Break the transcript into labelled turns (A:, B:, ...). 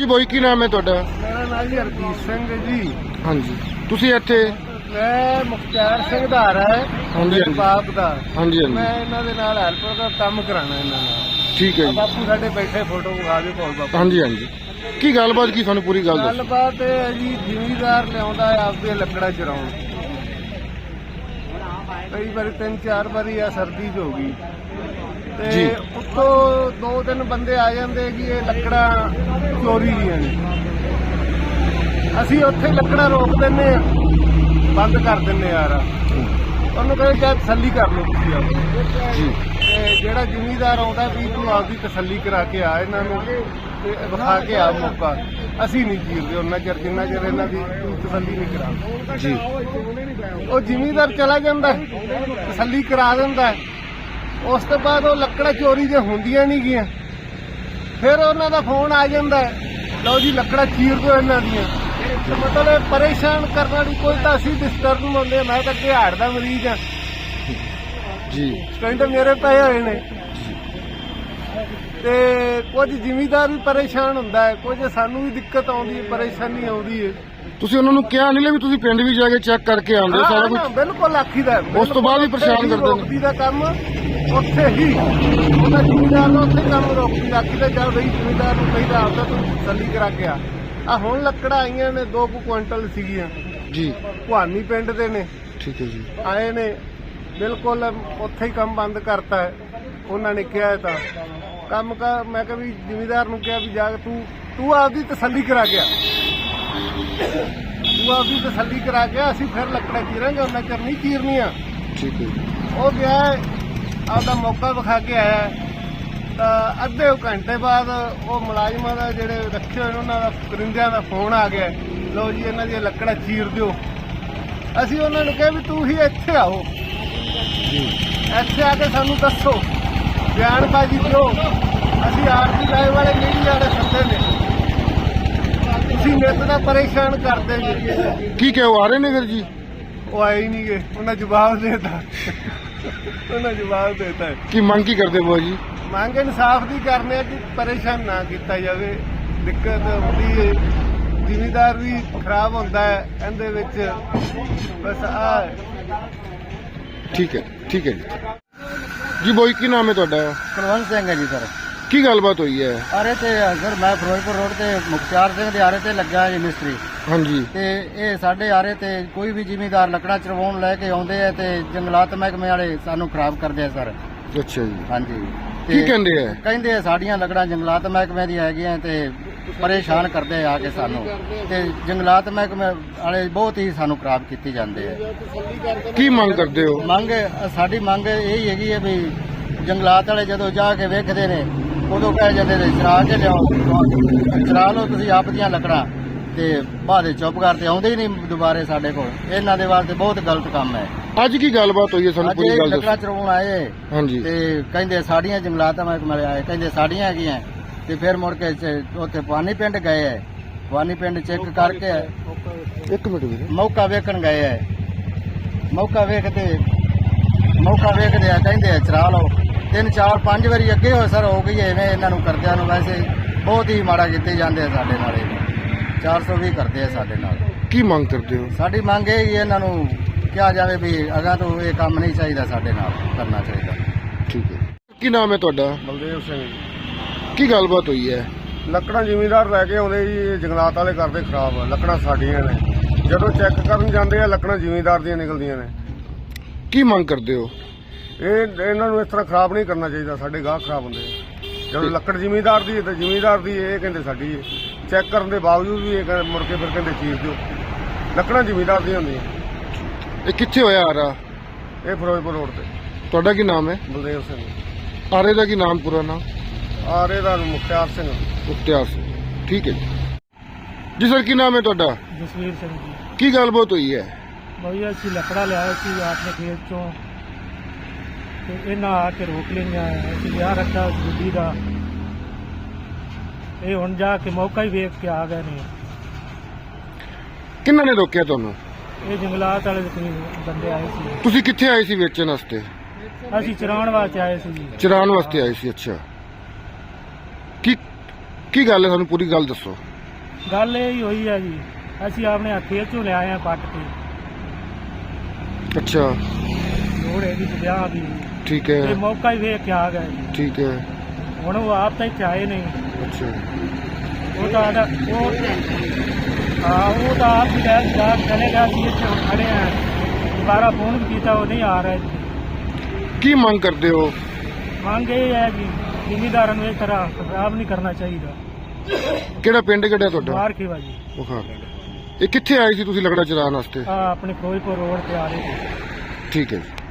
A: ਹਾਂਜੀ ਬੋਈ ਕੀ ਨਾਮ ਹੈ ਤੁਹਾਡਾ?
B: ਮੇਰਾ ਨਾਮ ਜੀ ਹਰਜੀਤ ਸਿੰਘ ਜੀ।
A: ਹਾਂਜੀ ਤੁਸੀਂ ਇੱਥੇ?
B: ਮੈਂ ਮੁਖਤਿਆਰ ਸਿੰਘ ਦਾ ਹੈ
A: ਹਾਂਜੀ
B: ਬਾਪ ਦਾ।
A: ਹਾਂਜੀ ਹਾਂਜੀ
B: ਮੈਂ ਇਹਨਾਂ ਦੇ ਨਾਲ ਹੈਲਪਰ ਦਾ ਕੰਮ ਕਰਾਣਾ ਇਹਨਾਂ ਨਾਲ।
A: ਠੀਕ ਹੈ ਜੀ।
B: ਬਾਪੂ ਸਾਡੇ ਬੈਠੇ ਫੋਟੋ ਵਿਖਾ ਦਿਓ ਕੋਲ ਬਾਪੂ।
A: ਹਾਂਜੀ ਹਾਂਜੀ ਕੀ ਗੱਲਬਾਤ ਕੀ ਸਾਨੂੰ ਪੂਰੀ ਗੱਲ ਦੱਸੋ।
B: ਗੱਲਬਾਤ ਇਹ ਹੈ ਜੀ, ਜ਼ਿਮੀਂਦਾਰ ਲਿਆਉਂਦਾ ਹੈ ਆਪਦੇ ਲੱਕੜਾਂ ਚਰਾਉਣ। ਕਈ ਵਾਰੀ 3-4 ਵਾਰੀ ਆ ਸਰਦੀ ਚ ਹੋ ਗਈ ਤੇ ਉੱਤੋਂ 2-3 ਬੰਦੇ ਆ ਜਾਂਦੇ ਕਿ ਇਹ ਲੱਕੜਾਂ ਚੋਰੀ ਦੀਆਂ ਨੇ। ਅਸੀਂ ਉੱਥੇ ਲੱਕੜਾਂ ਰੋਕ ਦਿੰਨੇ ਆ, ਬੰਦ ਕਰ ਦਿੰਨੇ ਯਾਰ। ਉਹਨੂੰ ਕਹਿੰਦੇ ਚਾਹ ਤਸੱਲੀ ਕਰ ਲਓ ਤੁਸੀਂ ਆਪ ਜੀ। ਤੇ ਜਿਹੜਾ ਜ਼ਿਮੀਂਦਾਰ ਆਉਂਦਾ ਵੀ ਤੂੰ ਆਪਦੀ ਤਸੱਲੀ ਕਰਾ ਕੇ ਆ ਇਹਨਾਂ ਨੂੰ ਤੇ ਵਿਖਾ ਕੇ ਆ ਮੌਕਾ। ਅਸੀਂ ਨਹੀਂ ਜੀਰਦੇ ਉਹਨਾਂ ਚਿਰ ਜਿੰਨਾ ਚਿਰ ਇਹਨਾਂ ਦੀ ਤਸੱਲੀ ਨਹੀਂ ਕਰਾ ਜੀ। ਉਹ ਜ਼ਿਮੀਂਦਾਰ ਚਲਾ ਜਾਂਦਾ, ਤਸੱਲੀ ਕਰਾ ਦਿੰਦਾ। ਉਸ ਤੋਂ ਬਾਅਦ ਉਹ ਲੱਕੜਾਂ ਚੋਰੀ ਜੇ ਹੁੰਦੀਆਂ ਨਹੀਂ ਗੀਆਂ, ਫਿਰ ਉਹਨਾਂ ਦਾ ਫੋਨ ਆ ਜਾਂਦਾ, ਲਓ ਜੀ ਲੱਕੜਾਂ ਚੀਰ ਦਿਓ ਇਹਨਾਂ ਦੀਆਂ। ਮਤਲਬ ਪਰੇਸ਼ਾਨ ਕਰਨ ਵਾਲੀ ਕੋਈ ਤਾਂ ਅਸੀਂ ਡਿਸਟਰਬ ਨੂੰ ਹੁੰਦੇ। ਮੈਂ ਤਾਂ ਅੱਗੇ ਹਾਰਟ ਦਾ ਮਰੀਜ਼ ਆ ਜੀ, ਸਟੈਂਡ ਮੇਰੇ ਪਏ ਹੋਏ ਨੇ ਤੇ ਕੁਝ ਜ਼ਿਮੀਂਦਾਰ ਵੀ ਪਰੇਸ਼ਾਨ ਹੁੰਦਾ ਹੈ, ਕੁਝ ਸਾਨੂੰ ਵੀ ਦਿੱਕਤ ਆਉਂਦੀ ਹੈ, ਪਰੇਸ਼ਾਨੀ ਆਉਂਦੀ ਹੈ।
A: ਤੁਸੀਂ ਉਹਨਾਂ ਨੂੰ ਕਿਹਾ ਨਹੀਂ ਵੀ ਤੁਸੀਂ ਪਿੰਡ ਵੀ ਜਾ ਕੇ ਚੈੱਕ ਕਰਕੇ ਆਉਂਦੇ ਸਾਰਾ ਕੁਝ?
B: ਬਿਲਕੁਲ ਆਖੀਦਾ।
A: ਉਸ ਤੋਂ ਬਾਅਦ ਵੀ ਪਰੇਸ਼ਾਨ ਕਰਦੇ ਨੇ।
B: ਰੋਕਦੀ ਦਾ ਕੰਮ ਉੱਥੇ ਹੀ ਉਹਦਾ ਜ਼ਿਮੀਂਦਾਰ ਨੂੰ ਉੱਥੇ ਕੰਮ ਰੋਕਦੀ ਆਖੀਦਾ। ਚੱਲ ਬਈ ਜ਼ਿਮੀਂਦਾਰ ਨੂੰ ਕਹੀਦਾ ਆਪਦਾ ਤੂੰ ਤਸੱਲੀ ਕਰਾ ਕੇ ਆ। ਹੁਣ ਲੱਕੜਾਂ ਆਈਆਂ ਨੇ 2 ਕੁਇੰਟਲ ਸੀਗੀਆਂ ਜੀ, ਭਵਾਨੀ ਪਿੰਡ ਦੇ ਨੇ। ਠੀਕ ਹੈ ਜੀ। ਆਏ ਨੇ ਬਿਲਕੁਲ ਉੱਥੇ ਹੀ ਕੰਮ ਬੰਦ ਕਰਤਾ ਹੈ ਉਹਨਾਂ ਨੇ ਕਿਹਾ ਤਾਂ ਕੰਮ ਕਰ। ਮੈਂ ਕਿਹਾ ਵੀ ਜ਼ਿਮੀਂਦਾਰ ਨੂੰ ਕਿਹਾ ਵੀ ਜਾ ਕੇ ਤੂੰ ਆਪਦੀ ਤਸੱਲੀ ਕਰਾ ਗਿਆ, ਤੂੰ ਆਪਦੀ ਤਸੱਲੀ ਕਰਾ ਗਿਆ, ਅਸੀਂ ਫਿਰ ਲੱਕੜਾਂ ਚੀਰਾਂਗੇ, ਉਹਨਾਂ ਚਿਰ ਨਹੀਂ ਚੀਰਨੀਆਂ। ਠੀਕ ਹੈ। ਉਹ ਗਿਆ ਆਪਦਾ ਮੌਕਾ ਵਿਖਾ ਕੇ ਆਇਆ ਤਾਂ ਅੱਧੇ ਘੰਟੇ ਬਾਅਦ ਉਹ ਮੁਲਾਜ਼ਮਾਂ ਦਾ ਜਿਹੜੇ ਰੱਖੇ ਹੋਏ ਉਹਨਾਂ ਦਾ ਕਰਿੰਦਿਆਂ ਦਾ ਫੋਨ ਆ ਗਿਆ, ਲਓ ਜੀ ਇਹਨਾਂ ਦੀਆਂ ਲੱਕੜਾਂ ਚੀਰ ਦਿਓ। ਅਸੀਂ ਉਹਨਾਂ ਨੂੰ ਕਿਹਾ ਵੀ ਤੂੰ ਹੀ ਇੱਥੇ ਆਓ, ਇੱਥੇ ਆ ਕੇ ਸਾਨੂੰ ਦੱਸੋ, ਬਿਆਨਬਾਜ਼ੀ ਦਿਓ। ਅਸੀਂ ਆਰਟੀ ਲਾਏ ਵਾਲੇ ਨਹੀਂ ਜਾਣੇ ਸੱਦੇ ਨੇ, ਤੁਸੀਂ ਨਿੱਤ ਦਾ ਪਰੇਸ਼ਾਨ ਕਰਦੇ ਜੀ।
A: ਕੀ ਕਹੇ ਉਹ ਆ ਰਹੇ ਨੇ ਫਿਰ ਜੀ?
B: ਉਹ ਆਏ ਹੀ ਨਹੀਂ ਗਏ, ਉਹਨਾਂ ਜਵਾਬ ਦੇਤਾ। ਉਹਨਾਂ ਜਵਾਬ ਦੇਤਾ।
A: ਕੀ ਮੰਗ ਕੀ ਕਰਦੇ ਬੋ ਜੀ?
B: ਮੰਗ ਇਨਸਾਫ ਦੀ ਕਰਨੇ ਆ ਕਿ ਪਰੇਸ਼ਾਨ ਨਾ ਕੀਤਾ ਜਾਵੇ। ਦਿੱਕਤ ਹੁੰਦੀ ਹੈ, ਜ਼ਿਮੀਂਦਾਰ ਵੀ ਖਰਾਬ ਹੁੰਦਾ ਹੈ ਇਹਦੇ ਵਿੱਚ। ਬਸ ਆ
A: ਠੀਕ ਹੈ ਜੀ ਜੀ। ਬੋਈ ਕੀ ਨਾਮ ਹੈ ਤੁਹਾਡਾ?
B: ਕੁਲਵੰਤ ਸਿੰਘ ਹੈ ਜੀ ਸਰ।
A: ਕੀ ਗੱਲਬਾਤ ਹੋਈ ਹੈ?
B: ਆਰੇ ਤੇ ਸਰ ਮੈਂ ਫਿਰੋਜ਼ਪੁਰ ਰੋਡ ਤੇ ਮੁਖਤਿਆਰ ਸਿੰਘ ਦੇ ਆਰੇ ਤੇ ਲੱਗਾ ਜੀ ਮਿਸਤਰੀ। ਹਾਂਜੀ। ਤੇ ਇਹ ਸਾਡੇ ਆਰੇ ਤੇ ਕੋਈ ਵੀ ਜ਼ਿਮੀਂਦਾਰ ਲੱਕੜਾਂ ਚਰਵਾਉਣ ਲੈ ਕੇ ਆਉਂਦੇ ਆ ਤੇ ਜੰਗਲਾਤ ਮਹਿਕਮੇ ਵਾਲੇ ਸਾਨੂੰ ਖਰਾਬ ਕਰਦੇ ਆ ਸਰ।
A: ਅੱਛਾ ਜੀ।
B: ਹਾਂਜੀ।
A: ਕੀ ਕਹਿੰਦੇ ਆ?
B: ਕਹਿੰਦੇ ਆ ਸਾਡੀਆਂ ਲੱਕੜਾਂ ਜੰਗਲਾਤ ਮਹਿਕਮੇ ਦੀਆਂ ਹੈਗੀਆਂ ਤੇ ਪਰੇਸ਼ਾਨ ਕਰਦੇ ਆ ਕੇ ਸਾਨੂੰ, ਤੇ ਜੰਗਲਾਤ ਮਹਿਕਮੇ ਵਾਲੇ ਬਹੁਤ ਹੀ ਸਾਨੂੰ ਖਰਾਬ ਕੀਤੀ ਜਾਂਦੇ ਆ।
A: ਕੀ ਮੰਗ ਕਰਦੇ ਹੋ?
B: ਸਾਡੀ ਮੰਗ ਇਹੀ ਹੈਗੀ ਹੈ ਵੀ ਜੰਗਲਾਤ ਵਾਲੇ ਜਦੋਂ ਜਾ ਕੇ ਵੇਖਦੇ ਨੇ ਉਦੋਂ ਕਹਿ ਜਾਂਦੇ ਨੇ ਚਰਾ ਕੇ ਲਿਆਓ, ਚਰਾ ਲਓ ਤੁਸੀਂ ਆਪ ਦੀਆਂ ਲੱਕੜਾਂ, ਤੇ ਬਾਅਦ ਚੁੱਪ ਕਰਦੇ ਆਉਂਦੇ ਹੀ ਨਹੀਂ ਦੁਬਾਰੇ ਸਾਡੇ ਕੋਲ। ਇਹਨਾਂ ਦੇ ਵਾਸਤੇ ਬਹੁਤ ਗਲਤ ਕੰਮ ਹੈ।
A: ਅੱਜ ਕੀ ਗੱਲਬਾਤ ਹੋਈ ਹੈ ਸਾਨੂੰ ਪੂਰੀ ਗੱਲ ਦੱਸੋ।
B: ਲੱਕੜਾਂ ਚਰਾਉਣ ਆਏ ਹਾਂਜੀ ਤੇ ਕਹਿੰਦੇ ਸਾਡੀਆਂ ਜੰਗਲਾਤ ਮਹਿਕਮੇ ਵਾਲੇ ਆਏ, ਕਹਿੰਦੇ ਸਾਡੀਆਂ ਹੈਗੀਆਂ। ਤੇ ਫਿਰ ਮੁੜ ਕੇ ਉੱਥੇ ਭਵਾਨੀ ਪਿੰਡ ਗਏ ਹੈ, ਭਵਾਨੀ ਪਿੰਡ ਚੈੱਕ ਕਰਕੇ
A: ਇੱਕ ਮਿੰਟ ਵੀਰੇ
B: ਮੌਕਾ ਵੇਖਣ ਗਏ ਹੈ। ਮੌਕਾ ਵੇਖਦੇ ਆ ਕਹਿੰਦੇ ਆ ਚਰਾ ਲਓ। 3-4-5 ਵਾਰੀ ਅੱਗੇ ਹੋਏ ਸਰ ਹੋ ਗਈ ਐਵੇਂ ਇਹਨਾਂ ਨੂੰ ਕਰਦਿਆਂ ਨੂੰ। ਵੈਸੇ ਬਹੁਤ ਹੀ ਮਾੜਾ ਕੀਤੇ ਜਾਂਦੇ ਆ ਸਾਡੇ ਨਾਲ। 420 ਕਰਦੇ ਆ ਸਾਡੇ ਨਾਲ।
A: ਕੀ ਮੰਗ ਕਰਦੇ ਹੋ?
B: ਸਾਡੀ ਮੰਗ ਇਹ ਹੀ ਇਹਨਾਂ ਨੂੰ ਕਿਹਾ ਜਾਵੇ ਵੀ ਅਗਾਂ ਤੋਂ ਇਹ ਕੰਮ ਨਹੀਂ ਚਾਹੀਦਾ, ਸਾਡੇ ਨਾਲ ਕਰਨਾ ਚਾਹੀਦਾ। ਠੀਕ ਹੈ।
A: ਕੀ ਨਾਮ ਹੈ ਤੁਹਾਡਾ?
B: ਬਲਦੇਵ ਸਿੰਘ ਜੀ।
A: ਕੀ ਗੱਲਬਾਤ ਹੋਈ ਹੈ?
B: ਲੱਕੜਾਂ ਜ਼ਿਮੀਂਦਾਰ ਲੈ ਕੇ ਆਉਂਦੇ ਜੀ, ਜੰਗਲਾਤ ਵਾਲੇ ਕਰਦੇ ਖਰਾਬ। ਲੱਕੜਾਂ ਸਾਡੀਆਂ ਨੇ, ਜਦੋਂ ਚੈੱਕ ਕਰਨ ਜਾਂਦੇ ਆ ਲੱਕੜਾਂ ਜ਼ਿਮੀਂਦਾਰ ਦੀਆਂ ਨਿਕਲਦੀਆਂ ਨੇ।
A: ਕੀ ਮੰਗ ਕਰਦੇ ਹੋ?
B: ਇਹਨਾਂ ਨੂੰ ਇਸ ਤਰ੍ਹਾਂ ਖਰਾਬ ਨਹੀਂ ਕਰਨਾ ਚਾਹੀਦਾ, ਸਾਡੇ ਗਾਹਕ ਖਰਾਬ ਹੁੰਦੇ। ਜਦੋਂ ਲੱਕੜ ਜ਼ਿਮੀਂਦਾਰ ਦੀ ਹੈ ਤਾਂ ਜ਼ਿਮੀਂਦਾਰ ਦੀ, ਇਹ ਕਹਿੰਦੇ ਸਾਡੀ ਹੈ। ਚੈੱਕ ਕਰਨ ਦੇ ਬਾਵਜੂਦ ਵੀ ਇਹ ਮੁੜ ਕੇ ਫਿਰ ਕਹਿੰਦੇ ਚੀਰ ਦਿਓ। ਲੱਕੜਾਂ ਜ਼ਿਮੀਂਦਾਰ ਦੀਆਂ ਹੁੰਦੀਆਂ।
A: ਇਹ ਕਿੱਥੇ ਹੋਇਆ ਆਰਾ?
B: ਇਹ ਫਿਰੋਜ਼ਪੁਰ ਰੋਡ ਤੇ।
A: ਤੁਹਾਡਾ ਕੀ ਨਾਮ ਹੈ?
B: ਬਲਦੇਵ ਸਿੰਘ।
A: ਆਰੇ ਦਾ ਕੀ ਨਾਮ ਪੂਰਾ ਨਾਮ?
B: ਆਰੇ ਦਾ ਮੁਖਤਿਆਰ ਸਿੰਘ।
A: ਮੁਖਤਿਆਰ ਸਿੰਘ। ਠੀਕ ਹੈ ਜੀ ਸਰ। ਕੀ ਨਾਮ ਹੈ ਤੁਹਾਡਾ?
B: ਜਸਵੀਰ ਸਿੰਘ ਜੀ।
A: ਕੀ ਗੱਲਬਾਤ ਹੋਈ ਹੈ?
B: ਭਈਆ ਅਸੀਂ ਲੱਕੜਾ ਲਿਆਏ ਸੀ ਆਪਣੇ ਖੇਤ ਚੋਂ ਤੇ ਇਹਨਾਂ ਆ ਕੇ ਰੋਕ ਲਈਆਂ। ਅਸੀਂ ਲਿਆ ਰੱਖਿਆ ਗੱਡੀ ਦਾ, ਇਹ ਹੁਣ ਜਾ ਕੇ ਮੌਕਾ ਹੀ ਵੇਖ ਕੇ ਆ ਗਏ ਨੇ।
A: ਕਿੰਨਾਂ ਨੇ ਰੋਕਿਆ ਤੁਹਾਨੂੰ?
B: ਇਹ ਜੰਗਲਾਤ ਵਾਲੇ ਬੰਦੇ ਆਏ ਸੀ।
A: ਤੁਸੀਂ ਕਿੱਥੇ ਆਏ ਸੀ ਵੇਚਣ ਵਾਸਤੇ?
B: ਅਸੀਂ ਚਰਾਉਣ ਵਾਸਤੇ ਆਏ ਸੀ ਜੀ।
A: ਚਰਾਉਣ ਵਾਸਤੇ ਆਏ ਸੀ। ਅੱਛਾ। ਕੀ ਗੱਲ ਹੈ ਸਾਨੂੰ ਪੂਰੀ ਗੱਲ ਦੱਸੋ।
C: ਗੱਲ ਇਹ ਹੀ ਹੋਈ ਹੈ ਜੀ, ਅਸੀਂ ਆਪਣੇ ਹੱਥੀਂ ਚੋਂ ਲਿਆਏ ਆ ਪੱਟ ਕੇ,
A: ਅੱਛਾ
C: ਲੋੜ ਹੈਗੀ ਤੇ ਵਿਆਹ ਦੀ,
A: ਠੀਕ
C: ਤੇ
A: ਹੈ
C: ਮੌਕਾ ਹੀ ਵੇਖ ਕੇ ਆ ਗਏ ਜੀ।
A: ਠੀਕ ਹੈ
C: ਹੁਣ ਉਹ ਆਪ ਤਾਂ ਇੱਥੇ ਆਏ ਨਹੀਂ,
A: ਅੱਛਾ
C: ਉਹ ਤਾਂ ਆਦਾ ਉਹ ਹਾਂ ਉਹ ਤਾਂ ਆਪ ਹੀ ਲੈ ਜਾ ਚਲੇ ਗਿਆ ਸੀ, ਇੱਥੇ ਹੁਣ ਖੜੇ ਆ, ਦੁਬਾਰਾ ਫੋਨ ਵੀ ਕੀਤਾ, ਉਹ ਨਹੀਂ ਆ ਰਿਹਾ ਇੱਥੇ।
A: ਕੀ ਮੰਗ ਕਰਦੇ ਹੋ?
C: ਮੰਗ ਇਹ ਹੈ ਜੀ, ਜ਼ਿਮੀਦਾਰਾਂ ਨੂੰ ਇਸ ਤਰ੍ਹਾਂ ਖਰਾਬ ਨਹੀਂ ਕਰਨਾ ਚਾਹੀਦਾ।
A: ਕਿਹੜਾ ਪਿੰਡ ਕਿਹੜਾ ਤੁਹਾਡਾ?
C: ਮਾਰ ਖੇਵਾ ਜੀ,
A: ਬੁਖਾਰ। ਇਹ ਕਿੱਥੇ ਆਏ ਸੀ ਤੁਸੀਂ ਲੱਕੜਾਂ ਚਰਾਉਣ ਵਾਸਤੇ?
C: ਆ ਆਪਣੇ ਫਿਰੋਜ਼ਪੁਰ ਰੋਡ ਤੇ ਆ ਰਹੇ ਸੀ।
A: ਠੀਕ ਹੈ ਜੀ।